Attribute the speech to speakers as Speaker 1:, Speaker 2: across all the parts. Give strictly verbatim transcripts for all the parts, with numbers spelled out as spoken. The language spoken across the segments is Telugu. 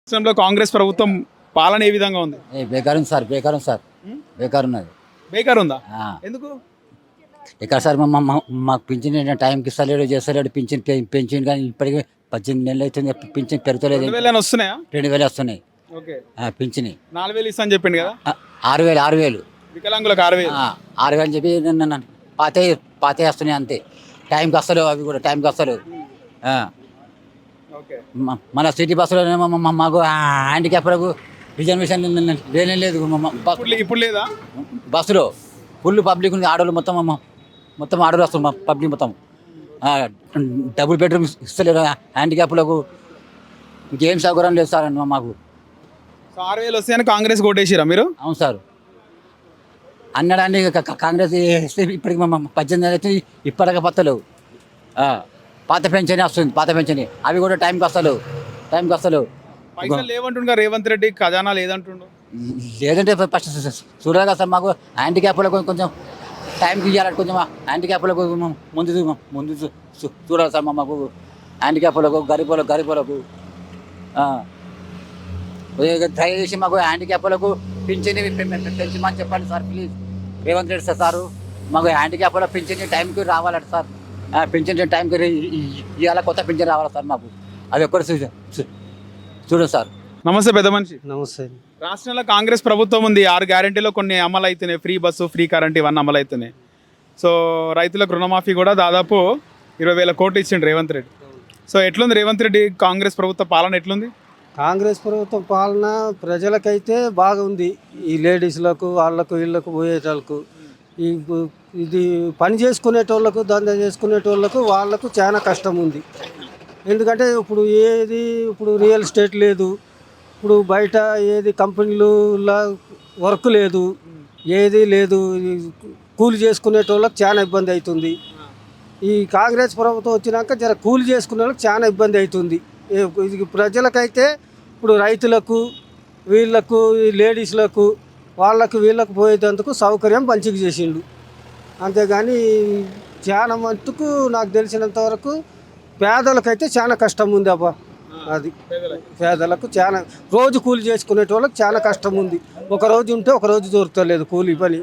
Speaker 1: రాష్ట్రంలో కాంగ్రెస్ ప్రభుత్వం పాలన ఏ విధంగా ఉంది?
Speaker 2: ఏ బేకార్ ఉంది సార్, బేకార్ ఉంది సార్, బేకార్ ఉన్నది.
Speaker 1: బేకార్ ఉందా?
Speaker 2: ఆ.
Speaker 1: ఎందుకు?
Speaker 2: ఇక్కడ సార్ మా మా- మాకు పింఛన్ టైంకి ఇస్తలేడు, చేస్తలేడు. పింఛన్ పె- పెన్షన్ కానీ ఇప్పటికీ పద్దెనిమిది నెలలు అవుతుంది, పింఛన్ పెరుగుతలేదు.
Speaker 1: రెండు వేలు వస్తున్నాయా?
Speaker 2: రెండు వేలు వస్తున్నాయి.
Speaker 1: ఓకే.
Speaker 2: ఆ, పింఛని
Speaker 1: నాలుగు వేలు ఇస్తా అని చెప్పిండు కదా.
Speaker 2: ఆ, ఆరు వేలు ఆరు వేలు
Speaker 1: వికలాంగులకు ఆరు వేలు.
Speaker 2: ఆ, ఆరు వేలు అని చెప్పి నన్ను- నన్ను పాతే పాతే వస్తున్నాయి అంతే. టైంకి వస్తలేవు, అవి కూడా టైంకి వస్తలేవు. ఆ.
Speaker 1: ఓకే.
Speaker 2: మ- మన సిటీ బస్సులో మాకు హ్యాండిక్యాప్లకు రిజర్వేషన్ లేనే లేదు. మ- మ- బస్-
Speaker 1: ఇప్పుడు లే- ఇప్పుడు లేదా?
Speaker 2: బస్సులో ఫుల్ పబ్లిక్ ఉంది. ఆడోళ్ళు మొత్తం అమ్మ- మొత్తం ఆడోళ్ళు వస్తారు, పబ్లిక్ మొత్తం. ఆ, డబుల్ బెడ్రూమ్ ఇస్తలేరు హ్యాండిక్యాప్లకు. ఇంకేం సౌకర్యం లేదు సార్ అన్న మాకు.
Speaker 1: సో ఆరు వేలు వస్తాయని కాంగ్రెస్ ఓటేసిరా మీరు?
Speaker 2: అవును సార్, అన్నడాన్ని క- క- కాంగ్రెస్ ఇస్తే ఇప్పటికి మా మా పద్దెనిమిది అయితే ఇప్పటికే పత్తలేవు. ఆ, పాత పెన్షన్ వస్తుంది, పాత పెన్షన్ అవి కూడా టైంకి వస్తలేవు, టైంకి వస్తలేవు.
Speaker 1: పైసలు లేవంటుండగా రేవంత్ రెడ్డి ఖజానా లేదంటుండు.
Speaker 2: లేదంటే ఫస్ట్ చూడాలి కదా సార్, మాకు హ్యాండిక్యాప్లకు కొంచెం టైంకి ఇవ్వాలి. కొంచెం హ్యాండిక్యాప్లకు ముందు చూ- ముందు చూ- చూ- చూడాలి సార్. మా- మాకు హ్యాండిక్యాప్లకు గరీబులకు గరీబులకు దయచేసి మాకు హ్యాండిక్యాప్లకు పింఛని పెంచమని చెప్పండి sir please. Revanth Reddy sir sir మాకు హ్యాండిక్యాప్లో పింఛని టైంకి రావాలంట సార్. పింఛన్ టైంకి ఇవాళ కొత్త పింఛన్ రావాలి సార్ మాకు. అది ఒక్కటి చూ- చూ- చూడండి సార్.
Speaker 1: నమస్తే పెద్ద మనిషి.
Speaker 3: నమస్తే.
Speaker 1: రాష్ట్రంలో కాంగ్రెస్ ప్రభుత్వం ఉంది. ఆరు గ్యారెంటీలో కొన్ని అమలు అవుతున్నాయి. ఫ్రీ బస్సు, ఫ్రీ కరెంట్ ఇవన్నీ అమలు అవుతున్నాయి. సో రైతులకు రుణమాఫీ కూడా దాదాపు ఇరవై వేల కోట్లు ఇచ్చిండు రేవంత్ రెడ్డి. సో ఎట్లుంది రేవంత్ రెడ్డి కాంగ్రెస్ ప్రభుత్వ పాలన ఎట్లుంది?
Speaker 3: కాంగ్రెస్ ప్రభుత్వం పాలన ప్రజలకైతే బాగుంది. ఈ లేడీస్లకు వాళ్ళకు వీళ్ళకు పోయేటోళ్ళకు ఈ ఇది పని చేసుకునేటోళ్ళకు దందా చేసుకునేటోళ్ళకు వాళ్ళకు చాలా కష్టం ఉంది. ఎందుకంటే ఇప్పుడు ఏది ఇప్పుడు రియల్ ఎస్టేట్ లేదు, ఇప్పుడు బయట ఏది కంపెనీలలో వర్క్ లేదు, ఏది లేదు. ఈ కూలి చేసుకునేటోళ్ళకి చాలా ఇబ్బంది అవుతుంది. ఈ కాంగ్రెస్ ప్రభుత్వం వచ్చినాక జర కూలి చేసుకునే వాళ్ళకి చాలా ఇబ్బంది అవుతుంది. ఏ- ఇది ప్రజలకైతే ఇప్పుడు రైతులకు వీళ్ళకు ఈ లేడీస్లకు వాళ్ళకు వీళ్ళకు పోయేందుకు సౌకర్యం మంచిగా చేసిండు. అంతేగాని చాలా మట్టుకు నాకు తెలిసినంత వరకు పేదలకైతే చాలా కష్టం ఉంది అబ్బా. అది పేదలకు చాలా రోజు కూలి చేసుకునే వాళ్ళకి చాలా కష్టం ఉంది. ఒక రోజు ఉంటే ఒక రోజు దొరకలేదు కూలి పని,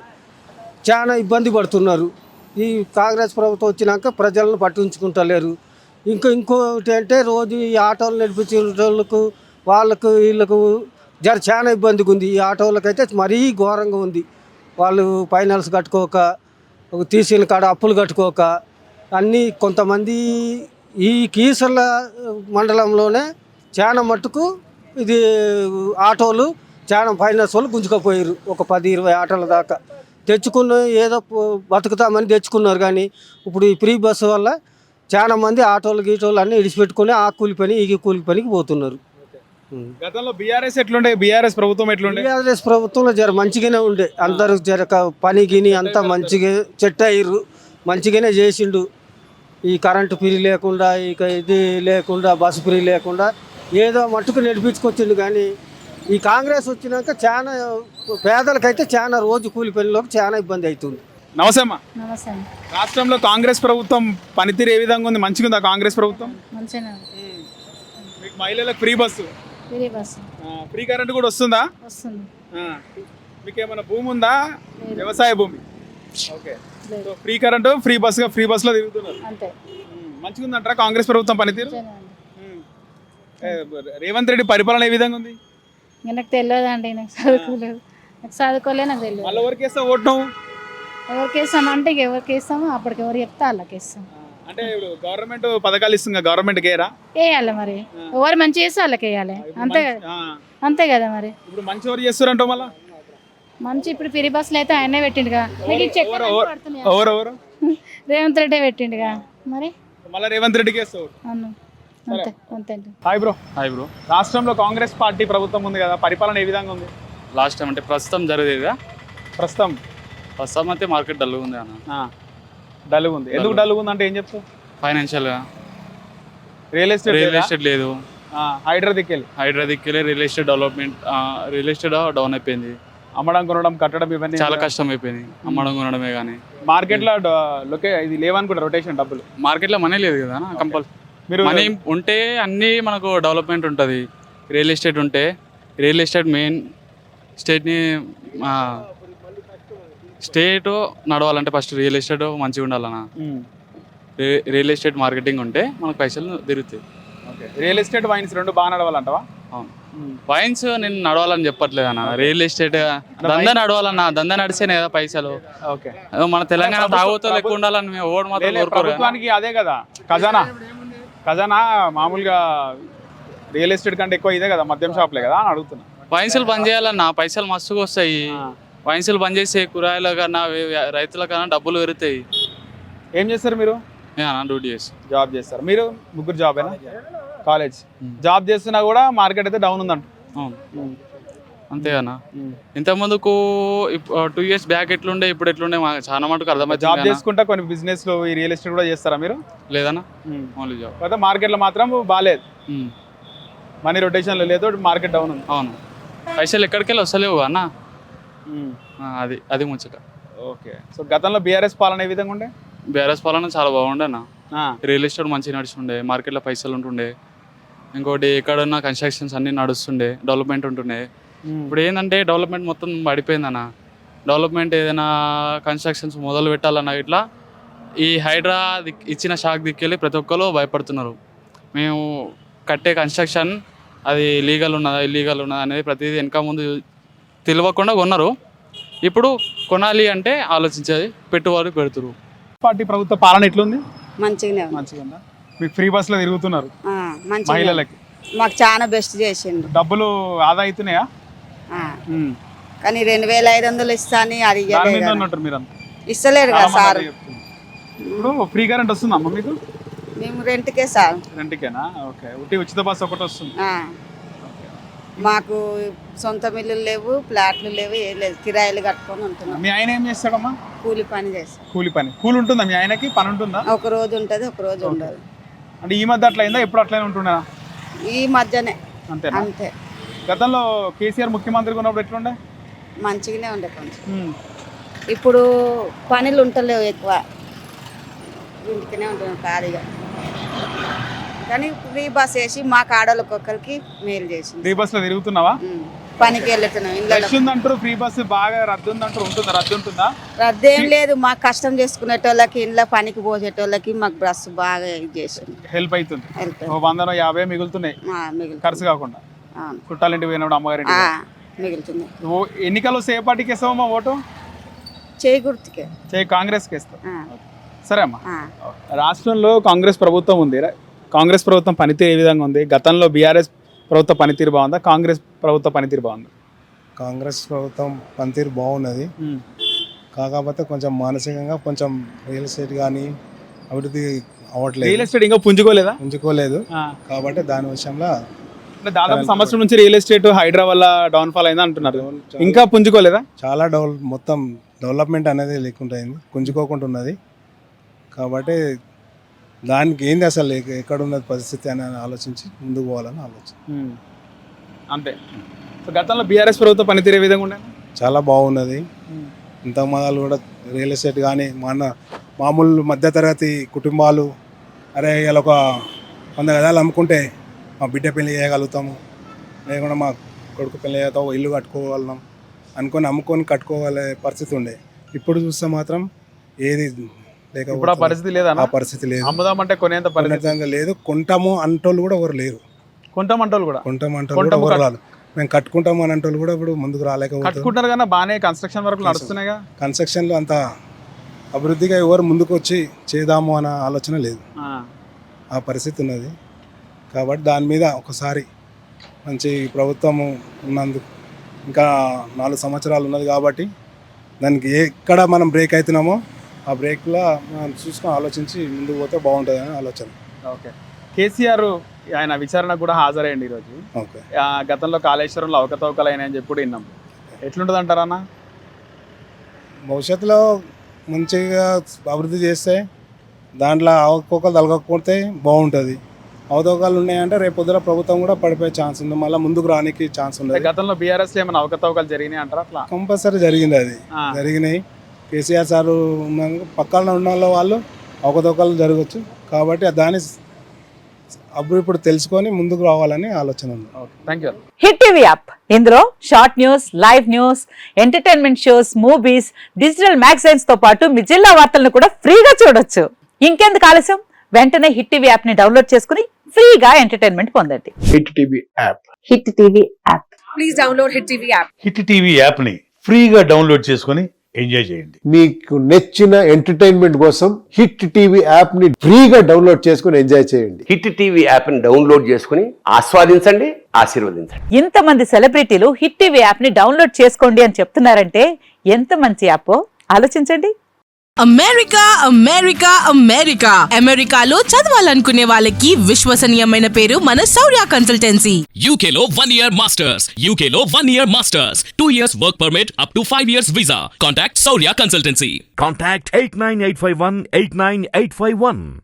Speaker 3: చాలా ఇబ్బంది పడుతున్నారు. ఈ కాంగ్రెస్ ప్రభుత్వం వచ్చినాక ప్రజలను పట్టించుకుంటలేరు. ఇంకా ఇంకోటి అంటే రోజు ఈ ఆటోలు నడిపించే వాళ్ళకు వాళ్ళకు వీళ్ళకు జర చాలా ఇబ్బందిగా ఉంది. ఈ ఆటోలకైతే మరీ ఘోరంగా ఉంది. వాళ్ళు ఫైనాన్స్ కట్టుకోక, ఒక తీసిన కాడ అప్పులు కట్టుకోక అన్నీ కొంతమంది ఈ కీసర్ల మండలంలోనే చాలా మట్టుకు ఇది ఆటోలు చాలా ఫైనాన్స్ వాళ్ళు గుంజుకపోయారు. ఒక పది ఇరవై ఆటోల దాకా తెచ్చుకున్న ఏదో బతుకుతామని తెచ్చుకున్నారు. కానీ ఇప్పుడు ఈ ఫ్రీ బస్సు వల్ల చాలా మంది ఆటోలు గీటోలు అన్నీ ఇడిచిపెట్టుకుని ఆ కూలి పని ఈ కూలి పనికి పోతున్నారు.
Speaker 1: గతంలో బీఆర్ఎస్ ఎట్లుండే? బీఆర్ఎస్ ప్రభుత్వం ఎట్లుండే?
Speaker 3: టీఆర్ఎస్ ప్రభుత్వంలో జర మంచిగానే ఉండే, అందరూ జర క- పని గిని అంతా మంచిగా చెట్ అయ్యారు, మంచిగానే చేసిండు. ఈ కరెంటు ఫ్రీ లేకుండా, ఇక ఇది లేకుండా, బస్సు ఫ్రీ లేకుండా ఏదో మట్టుకు నడిపించుకొచ్చిండు. కానీ ఈ కాంగ్రెస్ వచ్చినాక చాలా పేదలకైతే చాలా రోజు కూలి పనిలోకి చాలా ఇబ్బంది అవుతుంది.
Speaker 1: నమస్తే అమ్మా.
Speaker 4: నమస్తే అండి.
Speaker 1: రాష్ట్రంలో కాంగ్రెస్ ప్రభుత్వం పనితీరు ఏ విధంగా ఉంది? మంచిగా ఉందా కాంగ్రెస్ ప్రభుత్వం?
Speaker 4: మంచిగానే
Speaker 1: మీకు మహిళలకు ఫ్రీ బస్సు,
Speaker 4: ఫ్రీ బస్సు
Speaker 1: ఆ, ఫ్రీ కరెంట్ కూడా వస్తుందా?
Speaker 4: వస్తుంది.
Speaker 1: ఆ, మీకు ఏమైనా భూమి ఉందా? వ్యవసాయ భూమి. ఓకే.
Speaker 4: లేదు.
Speaker 1: సో ఫ్రీ కరెంటు, ఫ్రీ బస్సుగా ఫ్రీ బస్సులో తిరుగుతున్నారు.
Speaker 4: అంతే.
Speaker 1: ఉమ్, మంచిగా ఉందంటారా కాంగ్రెస్ ప్రభుత్వం పనితీరు?
Speaker 4: మంచిగానే ఉంది.
Speaker 1: ఉమ్. ఏ, రేవంత్ రెడ్డి పరిపాలన ఏ విధంగా ఉంది?
Speaker 4: ఇంకా నాకు తెలియదు అండి, నాకు చదువుకోలేదు, నాకు చదువుకోలే, నాకు తెలియదు.
Speaker 1: మళ్ళీ ఎవరికి వేస్తా ఓటు నువ్వు?
Speaker 4: ఎవరికి వేస్తాం అంటే ఇక ఎవరికి వేస్తామో అప్పటికి ఎవరు చెప్తే వాళ్ళకి వేస్తాం.
Speaker 1: అంటే ఇప్పుడు గవర్నమెంట్ పథకాలు ఇస్తుంది, గవర్నమెంట్ గేరా?
Speaker 4: వేయాలి మరి, ఎవరు మంచి చేస్తే వాళ్ళకి వేయాలి. అంతే కదా,
Speaker 1: ఆ,
Speaker 4: అంతే కదా మరి.
Speaker 1: ఇప్పుడు మంచి ఎవరు చేస్తారంట మళ్ళా?
Speaker 4: మంచి ఇప్పుడు ఫ్రీ బస్సులు అయితే ఆయనే పెట్టిండుగా. మీకు ఈ చెక్
Speaker 1: ఎవరు ఎవరు ఎవరు
Speaker 4: రేవంత్ రెడ్డి పెట్టిండుగా మరి.
Speaker 1: మళ్ళీ రేవంత్ రెడ్డికి వేస్తావు?
Speaker 4: అవును, అంతే అంతే అండి.
Speaker 1: Hi bro.
Speaker 5: Hi bro.
Speaker 1: రాష్ట్రంలో కాంగ్రెస్ పార్టీ ప్రభుత్వం ఉంది కదా, పరిపాలన ఏ విధంగా ఉంది
Speaker 5: లాస్ట్ టైం అంటే ప్రస్తుతం జరిగేదా?
Speaker 1: ప్రస్తుతం?
Speaker 5: ప్రస్తుతం అయితే మార్కెట్ డల్గా ఉంది అన్న.
Speaker 1: డల్గా ఉంది. ఎందుకు డల్గా ఉంది అంటే ఏం చెప్తావు?
Speaker 5: ఫైనాన్షియల్గా
Speaker 1: రియల్ ఎస్టేట్
Speaker 5: రియల్ ఎస్టేట్ లేదు,
Speaker 1: హైడ్రా దిక్కెళ్ళి
Speaker 5: హైడ్రా దిక్కులే real estate development, real estate down అయిపోయింది.
Speaker 1: అమ్మడం కొనడం కట్టడం ఇవన్నీ
Speaker 5: చాలా కష్టం అయిపోయింది. అమ్మడం కొనడమే కానీ
Speaker 1: మార్కెట్లో లొకే ఇది లేవనుకుంటా రొటేషన్ డబ్బులు.
Speaker 5: మార్కెట్లో మనీ లేదు కదా కంపల్.
Speaker 1: మీరు
Speaker 5: మనీ ఉంటే అన్నీ మనకు డెవలప్మెంట్ ఉంటుంది. రియల్ ఎస్టేట్ ఉంటే రియల్ ఎస్టేట్ మెయిన్ స్టేట్ని స్టేట్ నడవాలంటే ఫస్ట్ రియల్ ఎస్టేట్ మంచిగా ఉండాలన్న. రి- రియల్ ఎస్టేట్ మార్కెటింగ్ ఉంటే మనకు పైసలు తిరుగుతాయి.
Speaker 1: ఓకే, రియల్ ఎస్టేట్ వైన్స్ రెండు బాగా నడవాలంటవా?
Speaker 5: అవును. వైన్స్ నేను నడవాలని చెప్పట్లేదు అన్న. రియల్ ఎస్టేట్ దందా నడవాలన్న. దందా నడిస్తేనే కదా పైసలు.
Speaker 1: ఓకే,
Speaker 5: ఏదో మన తెలంగాణ తాగుతో ఎక్కువ ఉండాలని మేము ఓడి మాత్రం
Speaker 1: లేలే,
Speaker 5: కోరుకోరు కదా.
Speaker 1: ప్రభుత్వానికి అదే కదా ఖజానా. ఖజానా మామూలుగా రియల్ ఎస్టేట్ కంటే ఎక్కువ ఇదే కదా, మద్యం షాప్లే కదా అని అడుగుతున్నా.
Speaker 5: వైన్సులు బంద్ చేయాలన్న, పైసలు మస్తుగా వస్తాయి. వైన్సులు బంద్ చేస్తే కూరగాయల కన్నా వే- వే- రైతుల కన్నా డబ్బులు పెరుగుతాయి.
Speaker 1: ఏం చేస్తారు మీరు?
Speaker 5: నేను డ్యూటీ చేసి
Speaker 1: జాబ్ చేస్తారు. మీరు ముగ్గురు జాబేనా? కాలేజ్ జాబ్ చేస్తున్నా కూడా మార్కెట్ అయితే డౌన్ ఉందంట.
Speaker 5: అవును అంతే అన్న. ఇంతకుముందుకు టూ ఇయర్స్ బ్యాక్ ఎట్లుండే ఇప్పుడు ఎట్లుండే మాకు చాలా మటుకు
Speaker 1: జాబ్
Speaker 5: అర్థమవుతుంది.
Speaker 1: చేసుకుంటా కొన్ని బిజినెస్ లో ఈ రియల్ ఎస్టేట్ కూడా చేస్తారా మీరు?
Speaker 5: లేదన్నా, ఓన్లీ జాబ్.
Speaker 1: కాకపోతే మార్కెట్లో మాత్రం బాగాలేదు, మనీ రొటేషన్లో లేదు, మార్కెట్ డౌన్ ఉంది.
Speaker 5: అవును, పైసలు ఎక్కడికి వెళ్ళి వస్తలేవు అన్న. ఆ, అది అది ముచ్చట.
Speaker 1: ఓకే, సో గతంలో బీఆర్ఎస్ పాలన ఏ విధంగా ఉండే?
Speaker 5: బీఆర్ఎస్ పాలన చాలా బాగుండే అన్న.
Speaker 1: ఆ,
Speaker 5: రియల్ ఎస్టేట్ మంచిగా నడుస్తుండే, మార్కెట్లో పైసలు ఉంటుండే, ఇంకోటి ఎక్కడున్న కన్స్ట్రక్షన్స్ అన్నీ నడుస్తుండే, డెవలప్మెంట్ ఉంటుండే.
Speaker 1: ఉమ్,
Speaker 5: ఇప్పుడు ఏంటంటే డెవలప్మెంట్ మొత్తం పడిపోయిందన్న. డెవలప్మెంట్ ఏదైనా కన్స్ట్రక్షన్స్ మొదలు పెట్టాలన్నా ఇట్లా ఈ హైడ్రా దిక్ ఇచ్చిన షాక్ దిక్కెళ్ళి ప్రతి ఒక్కరు భయపడుతున్నారు. మేము కట్టే కన్స్ట్రక్షన్ అది లీగల్ ఉన్నదా ఇల్లీగల్ ఉన్నదా అనేది ప్రతిదీ వెనక ముందు తెలియకుండా కొన్నారు. ఇప్పుడు కొనాలి అంటే ఆలోచించేది పెట్టుబడి పెడుతురు.
Speaker 1: పార్టీ ప్రభుత్వ పాలన ఎట్లుంది?
Speaker 6: మంచిగానే ఉంది.
Speaker 1: మంచిగా ఉందా? మీకు ఫ్రీ బస్సులో తిరుగుతున్నారు
Speaker 6: ఆ, మంచిగానే ఉంది.
Speaker 1: మహిళలకి,
Speaker 6: మాకు చాలా బెస్ట్ చేసిండు.
Speaker 1: డబ్బులు ఆదా అవుతున్నాయా?
Speaker 6: ఆ,
Speaker 1: ఉమ్,
Speaker 6: కానీ రెండు వేల ఐదు వందలు ఇస్తాని అది
Speaker 1: దాని
Speaker 6: ఇయ్యలేదు
Speaker 1: మీద
Speaker 6: కదా.
Speaker 1: ఉన్నట్టు మీరు అంతా.
Speaker 6: ఇస్తలేరు
Speaker 1: చాలా
Speaker 6: కదా
Speaker 1: మంది
Speaker 6: సార్.
Speaker 1: అదే చెప్తున్నారు. ఇప్పుడు ఫ్రీ కరెంట్ వస్తుందమ్మా మీకు?
Speaker 6: మేము రెంట్కే సార్.
Speaker 1: రెంట్కేనా? ఓకే, ఉట్టి ఉచిత బస్సు ఒకటి వస్తుంది.
Speaker 6: ఆ, మాకు సొంత మిల్లులు లేవు, ఫ్లాట్లు లేవు, ఏం లేదు, కిరాయిలు కట్టుకొని ఉంటున్నాం.
Speaker 1: మీ ఆయన ఏం చేస్తాడమ్మా?
Speaker 6: కూలి పని చేస్తాం.
Speaker 1: కూలి పని. కూలి ఉంటుందా మీ ఆయనకి? పని ఉంటుందా?
Speaker 6: ఒక రోజు ఉంటుంది, ఒక రోజు ఉండదు.
Speaker 1: అంటే ఈ మధ్య అట్లా అయిందా? ఎప్పుడు అట్లనే ఉంటుందా?
Speaker 6: ఈ మధ్యనే
Speaker 1: అంతేనా?
Speaker 6: అంతే.
Speaker 1: గతంలో కేసీఆర్ ముఖ్యమంత్రిగా ఉన్నప్పుడు ఎట్లుండే?
Speaker 6: మంచిగానే ఉండే కొంచెం.
Speaker 1: ఉమ్,
Speaker 6: ఇప్పుడు పనులు ఉంటలేవు ఎక్కువ, ఇంటికనే ఉంటున్నాం ఖాళీగా. కానీ ఫ్రీ బస్ వేసి మా కాడోళ్ళకి ఒక్కరికి మేలు చేసింది.
Speaker 1: ఫ్రీ బస్ లో తిరుగుతున్నావా?
Speaker 6: ఉమ్. పనికి వెళ్తున్నాం. ఇళ్ళలో
Speaker 1: రష్ ఉందంటారు, ఫ్రీ బస్ బాగా రద్దు ఉందంటారు. ఉంటుందా? రద్దు ఉంటుందా?
Speaker 6: రద్దు ఏం లేదు. మాకు కష్టం చేసుకునేటోళ్ళకి, ఇంట్లో పనికి పోసేటోళ్ళకి మాకు బస్సు బాగా ఇది చేసింది.
Speaker 1: హెల్ప్ అవుతుంది.
Speaker 6: వెళ్తాం.
Speaker 1: ఓ వందనో యాభై మిగులుతున్నాయి
Speaker 6: మిగులుతుంది.
Speaker 1: ఖర్చు కాకుండా.
Speaker 6: అవును.
Speaker 1: చుట్టాలింటికి పోయినప్పుడు అమ్మగారి
Speaker 6: ఆ, మిగులుతుంది.
Speaker 1: ఓ ఎన్నికల్లో ఏ పార్టీకి వేస్తావమ్మా ఓటు?
Speaker 6: చేయి గుర్తుకే.
Speaker 1: చేయి కాంగ్రెస్కి వేస్తావు.
Speaker 6: ఆ,
Speaker 1: సరే అమ్మా.
Speaker 6: ఆ.
Speaker 1: రాష్ట్రంలో కాంగ్రెస్ ప్రభుత్వం ఉంది. కాంగ్రెస్ ప్రభుత్వం పనితీరు ఏ విధంగా ఉంది? గతంలో బీఆర్ఎస్ ప్రభుత్వ పనితీరు బాగుందా, కాంగ్రెస్ ప్రభుత్వ పనితీరు బాగుందా?
Speaker 7: కాంగ్రెస్ ప్రభుత్వం పనితీరు బాగున్నది. కాకపోతే కొంచెం మానసికంగా కొంచెం రియల్ ఎస్టేట్ కానీ అభివృద్ధి అవ్వట్లేదు,
Speaker 1: రియల్ ఎస్టేట్ ఇంకా పుంజుకోలేదా?
Speaker 7: ఉంచుకోలేదు.
Speaker 1: ఆ.
Speaker 7: కాబట్టి దాని విషయంలో
Speaker 1: అంటే దాదాపు సంవత్సరం నుంచి రియల్ ఎస్టేట్ హైడ్రా వల్ల డౌన్ఫాల్ అయిందా అంటున్నారు. ఇంకా పుంజుకోలేదా?
Speaker 7: చాలా డెవలప్ మొత్తం డెవలప్మెంట్ అనేది లేకుండా అయింది, గుంజుకోకుండా ఉన్నది. కాబట్టి దానికి ఏంది అసలు ఎక్క- ఎక్కడ ఉన్నది పరిస్థితి అని ఆలోచించి ముందుకు పోవాలని ఆలోచన.
Speaker 1: ఉమ్. అంతే. సో గతంలో బీఆర్ఎస్ ప్రభుత్వ పనితీరు ఏ విధంగా ఉండే?
Speaker 7: చాలా బాగున్నది. ఇంత మొదలు కూడా రియల్ ఎస్టేట్ కానీ మన మామూలు మధ్యతరగతి కుటుంబాలు, అరే ఇలా ఒక వంద గదాలు అమ్ముకుంటే మా బిడ్డ పెళ్లి చేయగలుగుతాము, లేకుండా మా కొడుకు పెళ్లి చేస్తాము, ఇల్లు కట్టుకోగలం అనుకొని అమ్ముకొని కట్టుకోగలే పరిస్థితి ఉండే. ఇప్పుడు చూస్తే మాత్రం ఏది
Speaker 1: ఇప్పుడు ఆ
Speaker 7: లేకపోతే
Speaker 1: పరిస్థితి లేదా?
Speaker 7: ఆ పరిస్థితి లేదు,
Speaker 1: అమ్ముదామంటే కొనేంత పరిస్థితి
Speaker 7: కొనేంత లేదు. కొంటాము అంటోళ్ళు కూడా ఎవరు లేరు,
Speaker 1: కొంటామంటోళ్ళు కూడా
Speaker 7: కొంటాం అంటోళ్ళు కూడా ఎవరు రాదు. మేము కట్టుకుంటాము అని అంటోళ్ళు కూడా ఇప్పుడు ముందుకు రాలేకపోతారు.
Speaker 1: కట్టుకుంటారు కానీ బాగానే కన్స్ట్రక్షన్ వర్క్ నడుస్తున్నాయిగా.
Speaker 7: కన్స్ట్రక్షన్లో అంత అభివృద్ధిగా ఎవరు ముందుకు వచ్చి చేద్దాము అన్న ఆలోచన లేదు,
Speaker 1: ఆ.
Speaker 7: ఆ పరిస్థితి ఉన్నది. కాబట్టి దాని మీద ఒకసారి మంచి ప్రభుత్వము ఉన్నందుకు ఇంకా నాలుగు సంవత్సరాలు ఉన్నది కాబట్టి దానికి ఎక్కడ మనం బ్రేక్ అవుతున్నామో ఆ బ్రేక్లో మనం చూసుకొని ఆలోచించి ముందుకు పోతే బాగుంటుంది అని ఆలోచన.
Speaker 1: ఓకే, కేసీఆర్ ఆయన విచారణకు కూడా హాజరయ్యండి ఈరోజు.
Speaker 7: ఓకే,
Speaker 1: ఆ, గతంలో కాళేశ్వరంలో అవకతవకలు అయినాయని చెప్పి కూడా విన్నాం. ఎట్లుంటుంది అంటారన్నా?
Speaker 7: భవిష్యత్తులో మంచిగా అభివృద్ధి చేస్తే దాంట్లో అవకతవకలు తలగకపోతే బాగుంటుంది. అవకతవకలు ఉన్నాయంటే రేపు పొద్దున ప్రభుత్వం కూడా పడిపోయే ఛాన్స్ ఉంది, మళ్ళీ ముందుకు రానికి ఛాన్స్
Speaker 1: అంటే
Speaker 7: ఉండదు.
Speaker 1: గతంలో బీఆర్ఎస్ ఏమైనా అవకతవకలు జరిగినాయి అంటారా? అట్లా
Speaker 7: కంపల్సరీ జరిగింది, అది
Speaker 1: ఆ.
Speaker 7: జరిగినాయి. కేసీఆర్ సార్ ఉన్నాక పక్కన ఉన్న వాళ్ళ వాళ్ళు అవకతవకలు జరగచ్చు. కాబట్టి దాన్ని అప్పుడు ఇప్పుడు తెలుసుకొని ముందుకు రావాలని ఆలోచన ఉంది.
Speaker 1: Okay thank you.
Speaker 8: Hit TV app ఇందులో short news, live news, entertainment shows, movies, digital magazines తో పాటు మీ జిల్లా వార్తలను కూడా ఫ్రీగా చూడొచ్చు. ఇంకెందుకు ఆలస్యం, వెంటనే హిట్ టీవీ యాప్ ని డౌన్లోడ్ చేసుకుని ఫ్రీగా ఎంటర్టైన్మెంట్ పొందండి.
Speaker 9: Hit TV app
Speaker 8: hit TV app
Speaker 6: please download hit TV app.
Speaker 10: Hit TV యాప్ని ఫ్రీగా డౌన్లోడ్ చేసుకొని ఎంజాయ్ చేయండి.
Speaker 9: మీకు నచ్చిన ఎంటర్టైన్మెంట్ కోసం హిట్ టీవీ యాప్ ని ఫ్రీగా డౌన్లోడ్ చేసుకుని ఎంజాయ్ చేయండి.
Speaker 11: హిట్ టీవీ యాప్ని డౌన్లోడ్ చేసుకుని ఆస్వాదించండి, ఆశీర్వదించండి.
Speaker 8: ఇంతమంది సెలబ్రిటీలు హిట్ టీవీ యాప్ ని డౌన్లోడ్ చేసుకోండి అని చెప్తున్నారంటే ఎంత మంచి యాప్ ఆలోచించండి.
Speaker 12: అమెరికా అమెరికా అమెరికా అమెరికాలో చదవాలనుకునే వాళ్ళకి విశ్వసనీయమైన పేరు మన శౌర్య కన్సల్టెన్సీ.
Speaker 13: యూకేలో వన్ ఇయర్ మాస్టర్స్, యూకేలో one year masters, two years work permit, up to five years visa. Contact Shaurya consultancy.
Speaker 10: Contact eight nine eight five one eight nine eight five one.